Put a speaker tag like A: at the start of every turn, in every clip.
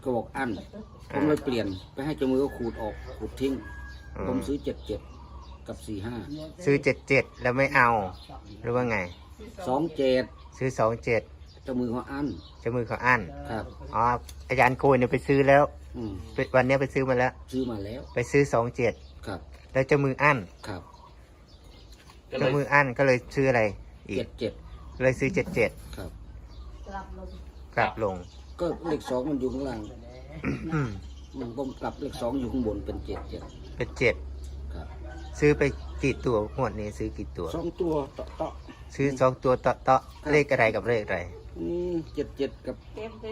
A: ก็บอกอั้นผมเลยเปลี่ยนไปให้เจ้ามือก็ขูดออกขูดทิ้งผมซื้อ77กับ45
B: ซื้อ77แล้วไม่เอาหรือว่าไง
A: 27
B: ซื้อ27
A: เจ้ามือเขาอั้น
B: เจ้ามือเขาอั้น
A: ครับ
B: อ๋ออาจารย์โกยเนี่ยไปซื้อแล้ววันนี้ไปซื้อมาแล้ว
A: ซื้อมาแล้ว
B: ไปซื้อ27
A: ครับ
B: แล้วเจ้ามืออั้น
A: ครับ
B: เจ้ามืออั้นก็เลยซื้ออะไรอีก
A: 77
B: เลยซื้อ77
A: ครับ
B: กลับลง
A: ก็เลข2มันอยู่ข้างล่างมันผมกลับเลข2อยู่ข้างบนเป็น77
B: เป็น7
A: ครับ
B: ซื้อไปกี่ตัวงวดนี้ซื้อกี่ตัว
A: 2ตัวเตาะ
B: ซื้อ2ตัวเตาะเลขอะไรกับเลขอะไร
A: 77กับ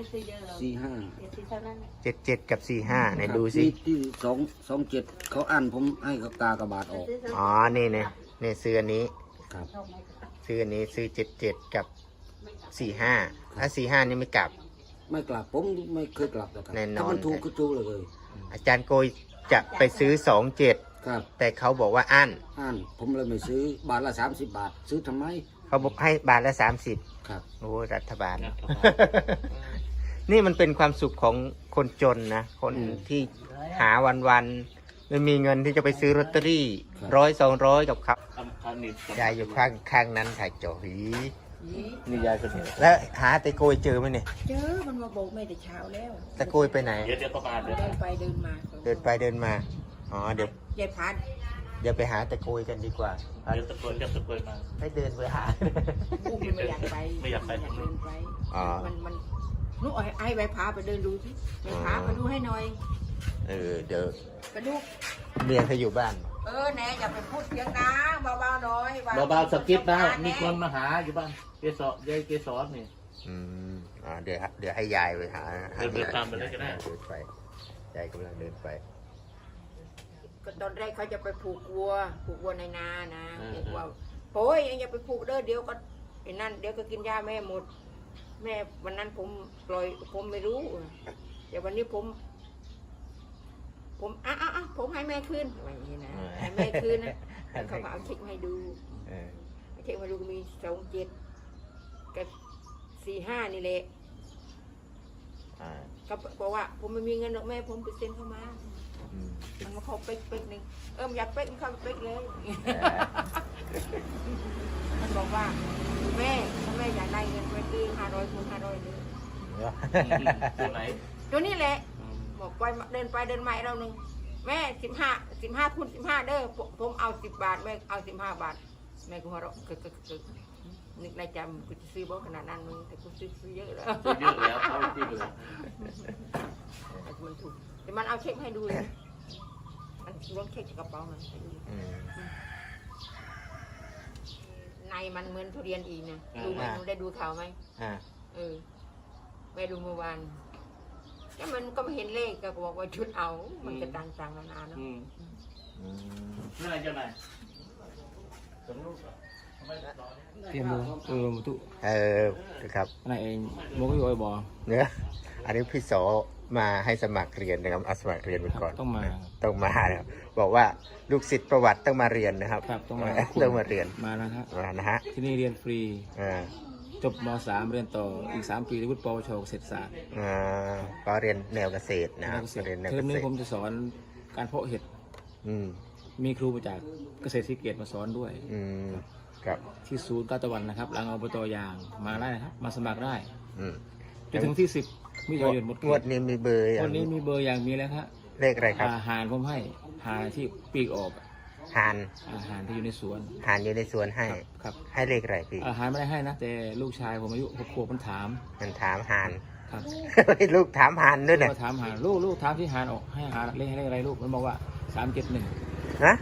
A: 45
B: 77กับ45ไหนดูสิ
A: ที่227เขาอั้นผมให้เขากากระบาดออก
B: อ๋อนี่เนี่ยนี่ซื้ออันนี้
A: ครับ
B: ซื้ออันนี้ซื้อ77กับ45ถ้า45นี่ไม่กลับ
A: ผมไม่เคยกลับหรอกครับถ้ามันถูกก็ถูกเลย
B: อาจารย์โกยจะไปซื้อ27
A: ครับ
B: แต่เขาบอกว่าอั้น
A: ผมเลยไม่ซื้อบาทละ30 บาทซื้อทำไม
B: เขาบอกให้บาทละ30
A: ครับ
B: โอ้รัฐบาล นี่มันเป็นความสุขของคนจนนะคนที่หาวันไม่มีเงินที่จะไปซื้อลอตเตอรี่100-200กับเขายายอยู่ข้างนั้นถ่ายจอหีนี่ยายคนนี้แล้วหาตะโกยเจอไหมเนี่ย
C: เจอมันมาโบกไม่แต่เช้าแล้ว
B: ตะโกยไปไหน
D: เดี๋ยวประมาณ
C: เดินไปเดินมา
B: เดินมาอ๋อเดี๋ยวย
C: ายพัด
B: เดี๋ยวไปหาตะโกยกันดีกว่า
D: เดี๋ยวตะโกยมา
B: ให้เดินไปหา
C: อุ้มไม่อยากไป
D: ไม่อยากไป
C: เดินไปมันลูกไอ้ใบพาไปเดินดูสิใบพามาดูให้หน่อย
B: เดี๋ยว
C: ไปดู
B: เมียเขาอยู่บ้าน
C: แน่อย่าไปพูดเสียงดังเบาๆหน่อย
D: เบาๆสกิปนะมีคนมาหาอยู่บ้านเกสรนี่
B: เดี๋ยวให้ยายไปหา
D: เดินตามไปเลยก็ได้
B: เดินไปยายกำลังเดินไป
C: ก็ตอนแรกเขาจะไปผูกวัวในนานะเด็กว่าโอ้ยยังอย่าไปผูกเด้อเดี๋ยวก็ไอ้นั่นเดี๋ยวก็กินยาแม่หมดแม่วันนั้นผมปล่อยผมไม่รู้แต่วันนี้ผมผมให้แม่คืนอย่างนี้นะให้แม่คืนนะเขาเอาเช็คให้ดูเช็คมาดูก็มี27กับ45นี่แหละก็บอกว่าผมไม่มีเงินหรอกแม่ผมไปเซ็นเข้ามามันมาเขาเป๊กหนึ่งอยากเป๊กมันเข้าเป๊กเลยมันบอกว่าแม่ถ้าแม่อยากได้เงินไปซื้อ500 คูณ 500เลย
D: ตัวไหน
C: ตัวนี้แหละบอกไปเดินไปเดินมาเราหนึ่งแม่15 คูณ 15เด้อผมเอา10 บาทแม่เอา15 บาทแม่ก็หัวเราะนึกในใจกูจะซื้อบ่ขนาดนั้นมึงแต่กูซื้อเยอะแล้ว
D: เขาจริงเลย
C: มันถูกแต่มันเอาเช็คให้ดูเลยมันล้วงเช็คจากกระเป๋ามันในมันเหมือนทุเรียนอีกนะดูไหมหนูได้ดูข่าวไหมแม่ดูเมื่อวานแล้วมันก็ไม่เห็นเลขก็บอกว่าชุดเอามันจะต่างๆนานาเนาะ
D: เมื่อไหร่จะไหน
A: เตรียมมือตุ
B: ครับ
A: อะไรเองโมก็อยู่ไอ้บ่อ
B: เนี่ยอันนี้พี่โสมาให้สมัครเรียนนะครับเอาสมัครเรียนไปก่อน
A: ต้องมา
B: นะครับบอกว่าลูกศิษย์ประวัติต้องมาเรียนนะครับ
A: ต้องมา
B: เรียน
A: มานะครับ
B: นะฮะ
A: ที่นี่เรียนฟรีจบม.3 เรียนต่ออีก3 ปีวุฒิปวชเกษตรศาสตร์
B: ก็เรียนแนวเกษตรนะครับ
A: เรียนแนวเกษตรนี้ผมจะสอนการเพาะเห็ดมีครูมาจากเกษตรศรีเกตมาสอนด้วย
B: ครับ
A: ที่ศูนย์ตาตะวันนะครับหลังอบต.ยางมาได้นะครับมาสมัครได้จนถึงที่10มิถุนายนหมด
B: งวดนี้มีเบอร์
A: งวดนี้มีเบอร์อย่างมีแล้วครับ
B: เลขอะไรครับ
A: หานผมให้หานที่ปีกออก
B: หาน
A: ที่อยู่ในสวน
B: อยู่ในสวนให้
A: ครับ
B: ให้เลขอะไรพี่
A: หานไม่ได้ให้นะแต่ลูกชายผมอายุ6 ขวบมันถาม
B: หาน
A: ครับ
B: ลูกถามหานด้วยเนี่ย
A: ถามหานลูกถามที่หานออกให้หานเลขอะไรลูกมันบอกว่า371
B: นะ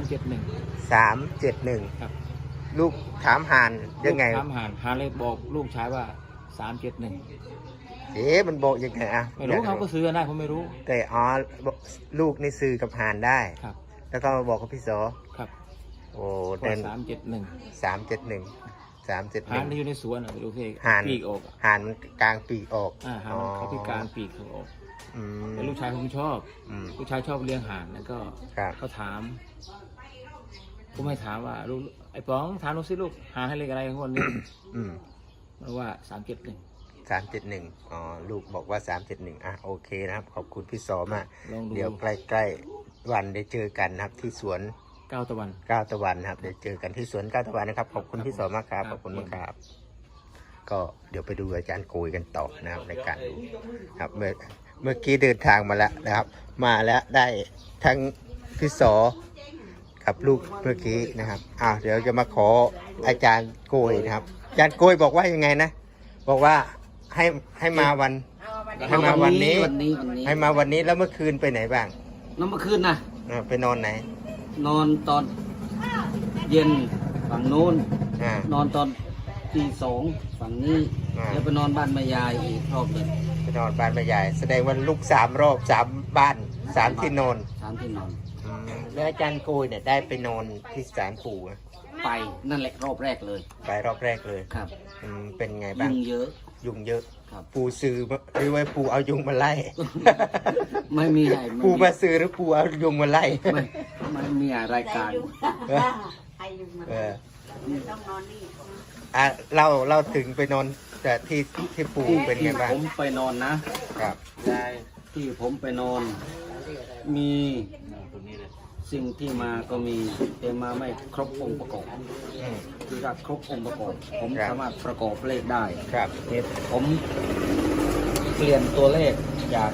A: 371ครับ
B: ลูกถามหานยังไง
A: ถามหานเลยบอกลูกชายว่า371
B: มันบอกยังไง
A: ไม่รู้เขาก็ซื้อได้ผมไม่รู้
B: แต่ลูกนี่ซื้อกับหานได้
A: ครับ
B: แล้วก็มาบอกกับพี่โส
A: ครับ
B: โอ้เด่น
A: 371หานที่อยู่ในสวนดูเพกปีกออก
B: หานกลางปีกออก
A: หานเขาพิการปีกเขาออกแต่ลูกชายผมชอบลูกชายชอบเลี้ยงห่านแล้วก็เขาถามผมไม่ถามว่าลูกไอ้ป๋องถามลูกสิลูกหาให้เลขอะไรของคนนี้มันว่า371
B: 371อ๋อลูกบอกว่า371อ่ะโอเคนะครับขอบคุณพี่สอมาก
A: ลองดู
B: เดี๋ยวใกล้ๆวันได้เจอกันนะครับที่สวน
A: ก้าวตะวัน
B: ก้าวตะวันนะครับเดี๋ยวเจอกันที่สวนก้าวตะวันนะครับขอบคุณพี่สอมากครับขอบคุณมากครับก็เดี๋ยวไปดูอาจารย์โกยกันต่อนะครับในการดูครับเมื่อกี้เดินทางมาแล้วนะครับ มาแล้วได้ทั้งพี่สอกับลูกเมื่อกี้นะครับเดี๋ยวจะมาขออาจารย์โกยนะครับอาจารย์โกยบอกว่ายังไงนะบอกว่าให้มาวัน ให้มาวันนี้ ให้มาวันนี้แล้วเมื่อคืนไปไหนบ้าง
D: น้ำเมื่อคืนนะ
B: ไปนอนไหน
D: นอนตอนเย็นฝั่งโน้น
B: อ่าน
D: อนตอนตีสองฝั่งนี้
B: อ่า
D: แล้วไปนอนบ้านแม่ยายอีกรอบหนึ่ง
B: ไปนอนบ้านแม่ยายแสดงว่าลูก3 รอบ3 บ้าน3 ที่นอน
D: 3 ที่นอน
B: แล้วอาจารย์โกยเนี่ยได้ไปนอนที่ศาลปู่ไหม
D: ไปนั่นแหละรอบแรกเลย
B: ไปรอบแรกเลย
D: ครับ
B: เป็นไงบ้าง
D: ยุ่งเยอะ
B: ยุงเยอะ
D: ครับ
B: ปูซื้อหรือว่าปูเอายุงมาไล่
D: ไม่มีอะไร
B: ปูมาซื้อหรือปูเอายุงมาไล่
D: ไม่มีอะไรายการ
B: เออเราถึงไปนอนแต่ที่ปูเป็นไงบ้าง
D: ผมไปนอนนะครับ ยายที่ผมไปนอน มีสิ่งที่มาก็มีแต่มาไม่ครบองค์ประกอบ
B: อืม
D: คือถ้าครบองค์ประกอบ ผม
B: ครับ
D: สามารถประกอบเลขได้
B: ครับ
D: เหตุผมเปลี่ยนตัวเลขจาก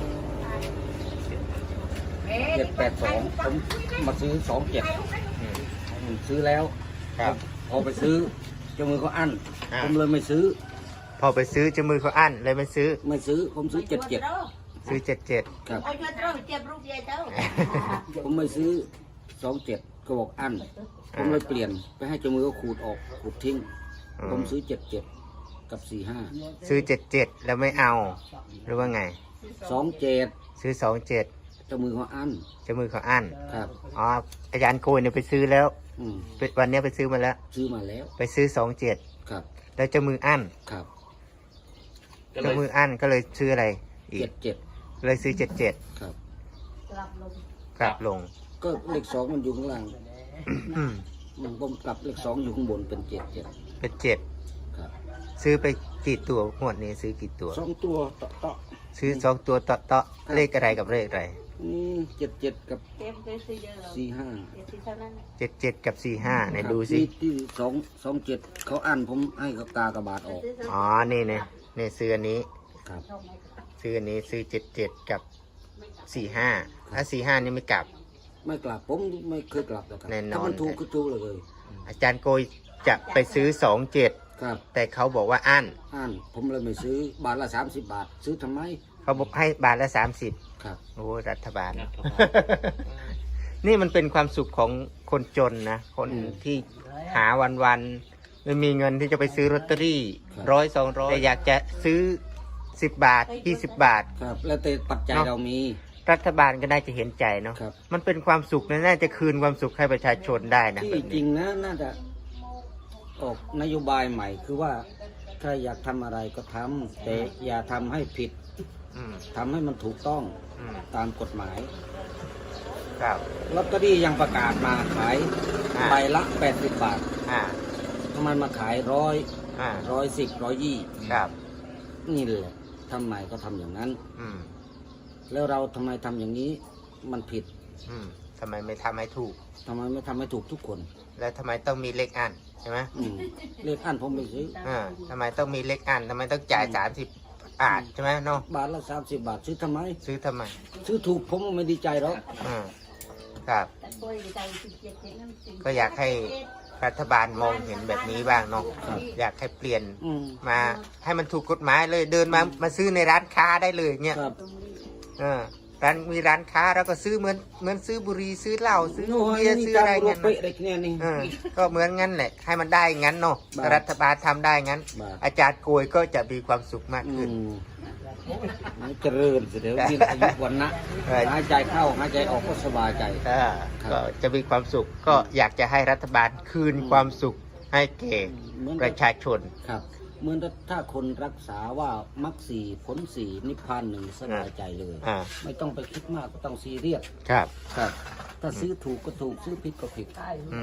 D: 782ผมมาซื้อ27
B: อืม
D: ซื้อแล้ว
B: ครับ
D: พอไปซื้อเจ้ามือเขาอั้น
B: อ่า
D: ผมเลยไม่ซื้อ
B: พอไปซื้อเจามือเขาอั้นเลยไม่ซื้อ
D: ไม่ซื้อผมซื้อ77
B: ซื้อ77
D: ครับ
C: โอ้ยเจ้าเจ็บรูปใหญ่เจ้า
D: ผมไม่ซื้อ27ก็บอกอั้นผมเลยเปลี่ยนไปให้เจ้ามือเขาขูดออกขูดทิ้ง ผมซื้อ77กับ45
B: ซื้อ77แล้วไม่เอาหรือว่าไง
D: 27
B: ซื้อ27
D: เจ้ามือเขาอั้น
B: เจามือเขาอั้น
D: ครับ
B: อ๋ออาจารย์โกยเนี่ยไปซื้อแล้ว
D: อืม
B: วันนี้ไปซื้อมาแล้ว
D: ซื้อมาแล้ว
B: ไปซื้อ27
D: ครับ
B: แล้วเจ้ามืออั้น
D: ครับ
B: เจ้ามืออั้นก็เลยซื้ออะไรอีก
D: 77
B: เลยซื้อ77
D: ครับ
B: กลับลง
D: ก็เลข2มันอยู่ข้างล่าง
B: อืม
D: ผมกลับเลข2อยู่ข้างบนเป็น77
B: เป็น7
D: ครับ
B: ซื้อไปกี่ตัวงวดนี้ซื้อกี่ตัว
D: 2ตัวเตาะ
B: ซื้อ2 ตัวเตาะเลขอะไรกับเลขอะไร
D: 77กับ45
B: 77 กับ 45ไหนดูสิ
D: ที่227เขาอั้นผมให้เขากากระบาดออก
B: อ๋อนี่เนี่ยนี่ซื้ออันนี้
D: ครับ
B: ซื้ออันนี้ซื้อ77 กับ 45ถ้า45นี่ไม่กลับ
D: ไม่กลับผมไม่เคยกลับหรอกครับ
B: แน่นอน
D: ถ้ามันถูกก็ถูกเลย
B: อาจารย์โกยจะไปซื้อ27
D: ครับ
B: แต่เขาบอกว่าอั้น
D: อั้นผมเลยไม่ซื้อบาทละ30 บาท ซื้อทำไม
B: เขาบอกให้บาทละ30
D: ครับ
B: โอ้รัฐบาล นี่มันเป็นความสุขของคนจนนะ คนที่หาวันๆไม่มีเงินที่จะไปซื้อลอตเตอรี่100-200แต่อยากจะซื้อ10 บาท20 บาท
D: ครับ แล้วแต่ปัจจัย
B: เนาะ
D: เรามี
B: รัฐบาลก็น่าจะเห็นใจเนาะ
D: ครับ
B: มันเป็นความสุขนะน่าจะคืนความสุขให้ประชาชนได้นะ
D: ที่
B: แบบ
D: จริ
B: นี้
D: งนะน่าจะออกนโยบายใหม่คือว่าถ้าอยากทำอะไรก็ทำแต่อย่าทำให้ผิด
B: อืม
D: ทำให้มันถูกต้อง
B: อืม
D: ตามกฎหมาย
B: ครับ
D: ลอตเตอรี่ยังประกาศมาขาย
B: อ่า
D: ใบละ80 บาท
B: อ่า
D: ทำไมมาขาย
B: อ่า
D: 110 120
B: ครับ
D: นี่แหละทำไมก็ทำอย่างนั้น
B: อืม
D: แล้วเราทำไมทำอย่างนี้มันผิด
B: อืมทำไมไม่ทำให้ถูก
D: ทำไมไม่ทำให้ถูกทุกคน
B: แล้วทำไมต้องมีเลขอันใช่ไหม
D: เลขอันผมไม่ซื้อ
B: ทำไมต้องมีเลขอันทำไมต้องจ่าย30 บาทใช่ไหมเนาะ
D: บาทละ30 บาทซื้อทำไม
B: ซื้อทำไม
D: ซื้อถูกผมไม่ดีใจหรอก
B: อืมครับ ก็อยากให้รัฐบาลมองเห็นแบบนี้บ้างเนาะอยากให้เปลี่ยน
D: อืม
B: มาให้มันถูกกฎหมายเลยเดินมาซื้อในร้านค้าได้เลยเนี่ย
D: ครับ
B: มีร้านค้าแล้วก็ซื้อเหมือนซื้อบุหรี่ซื้อเหล้าซื้อ
D: โอ้ย
B: เบียร์
D: นี่
B: ซื้อ
D: ตา
B: อะไร
D: มรู
B: เงี้
D: ป
B: ย
D: เป๊ะเลยเนี่ยนี่
B: ก็เหมือนงั้นแหละให้มันได้งั้นเนาะ
D: บาท
B: รัฐบาลทำได้งั้น
D: บาท
B: อาจารย์โกยก็จะมีความสุขมาก
D: อื
B: ขึ้น
D: มเจริญเดี๋ยวมีอายุวันนะ
B: เออ
D: หายใจเข้าหายใจออกก็สบายใจ ครับ
B: ก็จะมีความสุขก็อยากจะให้รัฐบาลคืนความสุขให้แก่
D: เหมือน
B: ประชาชน
D: ครับเหมือนถ้าคนรักษาว่ามรรคสี่ผลสี่นิพพานหนึ่งสบายใจเลย
B: อ่า
D: ไม่ต้องไปคิดมากก็ต้องซีเรียส
B: ครับ
D: ครับ ถ้าซื้อถูกก็ถูกซื้อผิดก็ผิด
B: อืม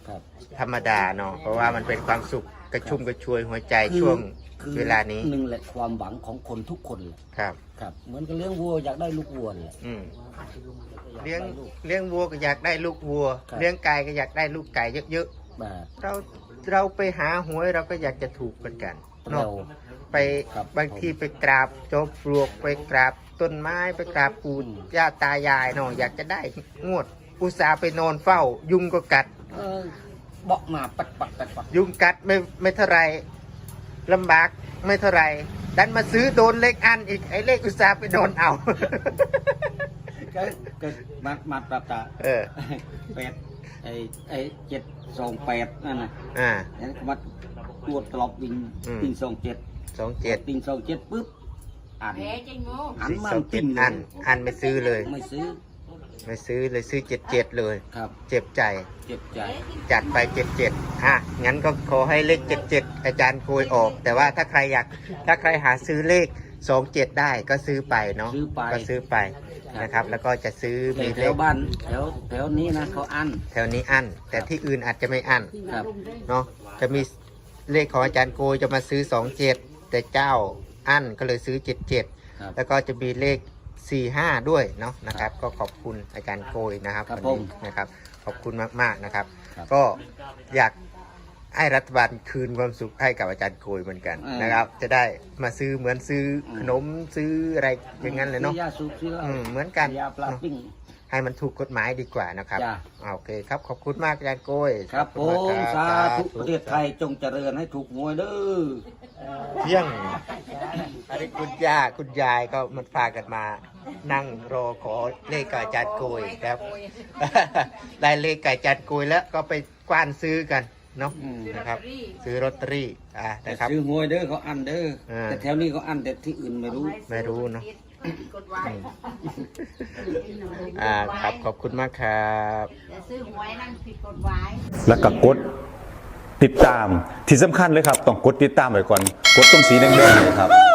D: ครับ
B: ธรรมดาเนาะเพราะว่ามันเป็นความสุขกระชุ่มกระชวยหัวใจช่วง
D: คือ
B: เวลานี้
D: หนึ่งแหละความหวังของคนทุกคนแหละ
B: ครับ
D: ครับ เหมือนกับเลี้ยงวัวอยากได้ลูกวัวแหละ
B: อืมเลี้ยงวัวก็อยากได้ลูกวัว
D: ครับ
B: เลี้ยงไก่ก็อยากได้ลูกไก่เยอะ
D: แบบ
B: ๆเราไปหาหวยเราก็อยากจะถูกเหมือนกันเนาะ
D: เรา
B: ไป
D: ครับ
B: บางทีไปกราบจอมปลวกไปกราบต้นไม้ไปกราบปู่ย่าตายายเนาะอยากจะได้งวดอุตส่าห์ไปนอนเฝ้า ยุงก็กัด
D: เบอกมาปัดปัดปัดปัด
B: ยุงกัดไม่เท่าไรลำบากไม่เท่าไรดันมาซื้อโดนเลขอันอีกไอ้เลขอุตส่าห์ไปโดนเอา
D: ก็มาปรับตา
B: เออ
D: แปดไอ้728นั่นน่ะ
B: อ่า
D: แล้วก็มาตรวจตลบวิ่ง
B: อืม
D: วิ่ง27
B: 27
D: วิ่ง27ปุ๊บอ่าน
C: แพ้จริงโง่
D: หันมา
B: 27
D: ติ้งเล
B: อั
D: ย
B: นไม่ซื้อเลย
D: ไม่ซื้อ
B: ไม่ซื้อเลยซื้อ77เลย
D: ครับ
B: เจ็บใจ
D: เจ็บใจ
B: จัดไป77งั้นก็ขอให้เลข77อาจารย์โกยออก แต่ว่าถ้าใครหาซื้อเลข27ได้ก็ซื้อไปเนาะ
D: ซื้อไป
B: ก็ซื้อไปนะครับ แล้วก็จะซื้อ
D: แต่
B: มี
D: แถ
B: เล
D: ว
B: ข
D: บ้านแถวนี้นะเขาอั้น
B: แถวนี้อันแต่ที่อื่นอาจจะไม่อัน
D: ครับ
B: เนาะจะมีเลขของอาจารย์โกยจะมาซื้อ27แต่เจ้าอันก็เลยซื้อ77
D: ครับ
B: แล้วก็จะมีเลข45ด้วยเนาะนะครับ ก็ขอบคุณอาจารย์โกยนะครับ
D: ครับ
B: วันนี้
D: ผม
B: นะครับ ขอบคุณมากๆนะครับ
D: ครับ
B: ก็อยากให้รัฐบาลคืนความสุขให้กับอาจารย์โกยเหมือนกันนะครับ จะได้มาซื้อเหมือนซื้อขนมซื้ออะไรอย่างนั้นเลยเนาะ
D: ซื้อยาสูบซื้อเหล้า
B: เหมือนกัน
D: ยาปลาปิ้ง
B: ให้มันถูกกฎหมายดีกว่านะครับ
D: จ้ะ
B: โอเคครับขอบคุณมากอาจารย์โกย
D: ครับผ
B: ขอบ
D: ม
B: คุณมาก
D: สา
B: ครับ
D: ธุประเทศไทยจงเจริญให้ถูกหวยเด้อ
B: เที่ยงอันนี้คุณย่าคุณยายก็มันพากันมา นั่งรอขอเลขกับอาจารย์โกยครับ ได้เลขกับอาจารย์โกยแล้วก็ไปกว้านซื้อกันเนาะนะครับ ซื้อลอตเตอรี่นะครับ
D: ซื้อหวยเด้อเขาอั้นเด้อ
B: อ่า
D: แต่แถวนี้เขาอั้นแต่ที่อื่นไม่รู้
B: ไม่รู้เนาะ
C: กดไว้
B: ครับขอบคุณมากครับ
C: แต่ซื้อหวยนั่นผิดกฎหมาย
E: แล้วก็กดติดตามที่สำคัญเลยครับ ต้องกดติดตามไว้ก่อน กดตรงสีแดงๆเลยครับ